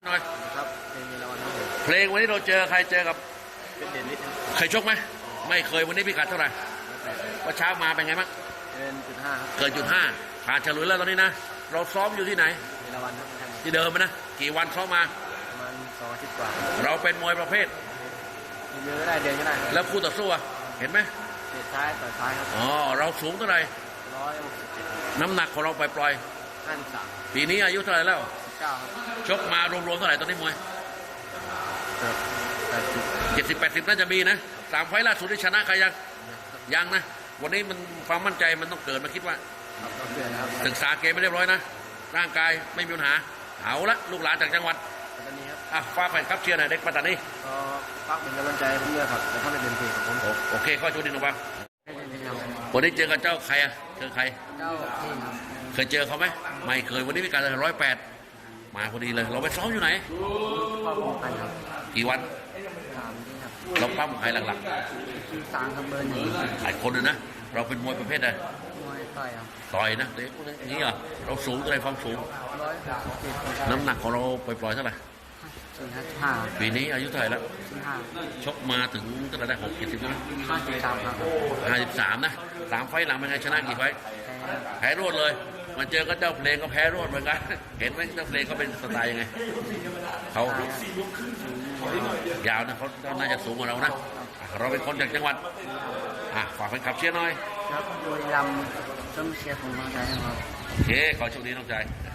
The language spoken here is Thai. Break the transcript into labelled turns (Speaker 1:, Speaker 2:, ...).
Speaker 1: หน่อย
Speaker 2: ครับเพลงละวันครับผม
Speaker 1: เพลงวันนี้เราเจอใครเจอกับ
Speaker 2: เป็นเด่นนิด
Speaker 1: เคยชกไหมไม่เคยวันนี้พิกัดเท่าไหร่ว่าเช้ามาเป็นไงบ้าง
Speaker 2: เป็น.5ครับ
Speaker 1: เกิน.5ผ่านฉลุยแล้วตอนนี้นะเราซ้อมอยู่ที่ไหน
Speaker 2: เพลงละวันครับ
Speaker 1: ที่เดิมนะกี่วันซ้อมมา
Speaker 2: ประมาณ2 อาทิตย์กว่า
Speaker 1: เราเป็นมวยประเภท
Speaker 2: เยอะก็ได้เดินก็ได้
Speaker 1: แล้วคู่ต่อสู้เห็นไหม
Speaker 2: เตะซ้ายต่อยซ้ายครับ
Speaker 1: อ๋อเราสูงเท่าไหร่
Speaker 2: 167
Speaker 1: น้ำหนักของเราปล่อย
Speaker 2: 53
Speaker 1: ปีนี้อายุเท่าไหร่แล้ว
Speaker 2: 19ครับ
Speaker 1: ชกมารวมๆเท่าไหร่ตอนนี้มวย
Speaker 2: 80
Speaker 1: 70-80น่าจะมีนะ3 ไฟล์ล่าสุดที่ชนะใครยังนะวันนี้มันความมั่นใจมันต้องเกิดมาคิดว่าศึกษาเกมไม่เรียบร้อยนะร่างกายไม่มีปัญหาเอาละลูกหลานจากจังหวัด
Speaker 2: ปัตตานีครับ
Speaker 1: ฝากแฟนครับเชียร์หน่อยเด็กปัตตานี
Speaker 2: ก็ฝากเป็นกำลังใจให้ผมด้วยครับแต่ถ้าไม่เป็นเพลงของผม
Speaker 1: โอเคข้อชูดินออกมาวันนี้เจอกับเจ้าใครเจอใคร
Speaker 2: เจ้าที่
Speaker 1: เคยเจอเขาไหมไม่เคยวันนี้มีการ108มาพอดีเลยเราไปซ้อมอยู่ไหน
Speaker 2: ก็ป้องกันครับ
Speaker 1: กี่วัน
Speaker 2: 3 ครับ
Speaker 1: เราปั้มใครหลัก
Speaker 2: คือ3ครับเบอร์1
Speaker 1: หลายคนเลยนะเราเป็นมวยประเภทใด
Speaker 2: มวยต่อยครับ
Speaker 1: ต่อยนะเด็กนี่เหรอเราสูงเท่าไรความสูง
Speaker 2: 167
Speaker 1: น้ำหนักของเราปล่อยๆเท่าไหร่
Speaker 2: 5
Speaker 1: ปีนี้อายุเท่าไหร่แล้ว
Speaker 2: 5
Speaker 1: ชกมาถึงเท่าไหร่ได้60ใช่ไหม
Speaker 2: 53ครับ
Speaker 1: 53นะ3 ไฟล์หลังเป็นไงชนะกี่ไฟล์แพ้รวดเลยมันเจอก็เจ้าเพลงก็แพ้รวดเหมือนกันเห็นไหมเจ้าเพลงเขาเป็นสไตล์ยังไงเขายาวนะเขาน่าจะสูงกว่าเรานะเราเป็นคนจากจังหวัดฝากแฟนคลับเชียร์หน่อย
Speaker 2: ครับโดยลำต้องเชียร์ผมมาใจครับ
Speaker 1: โอเคขอโชคดีน้องใจ